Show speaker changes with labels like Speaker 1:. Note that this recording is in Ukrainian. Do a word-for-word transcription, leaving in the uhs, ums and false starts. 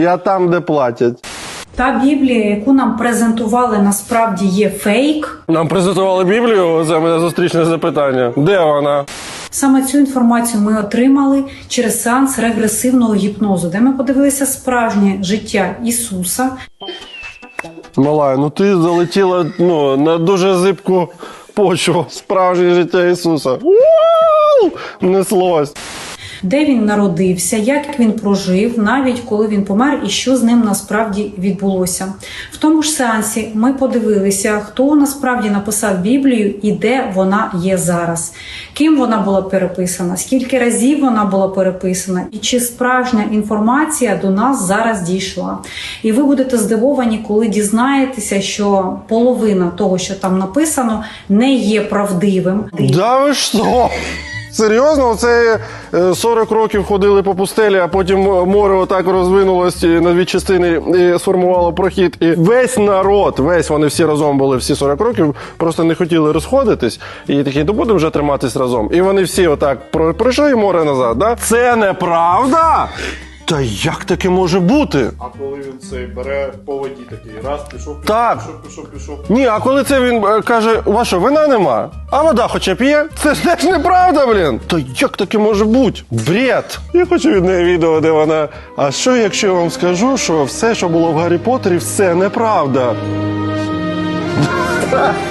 Speaker 1: Я там, де платять.
Speaker 2: Та Біблія, яку нам презентували, насправді є фейк.
Speaker 1: Нам презентували Біблію, це мене зустрічне запитання. Де вона?
Speaker 2: Саме цю інформацію ми отримали через сеанс регресивного гіпнозу, де ми подивилися справжнє життя Ісуса.
Speaker 1: Малая, ну ти залетіла ну, на дуже зибку почву. Справжнє життя Ісуса. Ууу! Неслось.
Speaker 2: Де він народився, як він прожив, навіть коли він помер і що з ним насправді відбулося. В тому ж сеансі ми подивилися, хто насправді написав Біблію і де вона є зараз. Ким вона була переписана, скільки разів вона була переписана і чи справжня інформація до нас зараз дійшла. І ви будете здивовані, коли дізнаєтеся, що половина того, що там написано, не є правдивим.
Speaker 1: Да ви що? Серйозно? Оце сорок років ходили по пустелі, а потім море отак розвинулось на дві частини і сформувало прохід. І весь народ, весь, вони всі разом були, всі сорок років, просто не хотіли розходитись. І такі, то будемо вже триматись разом. І вони всі отак пройшли море назад, да? Це неправда? Та як таке може бути?
Speaker 3: А коли він цей бере по воді такий, раз, пішов, пішов,
Speaker 1: Так.
Speaker 3: пішов, пішов, пішов.
Speaker 1: Ні, а коли це він е, каже, у вас що, вина нема? А вода хоча б є? Це ж теж неправда, блін. Та як таке може бути? Бред. Я хочу від неї відео, де вона, а що якщо я вам скажу, що все, що було в Гаррі Поттері, все неправда?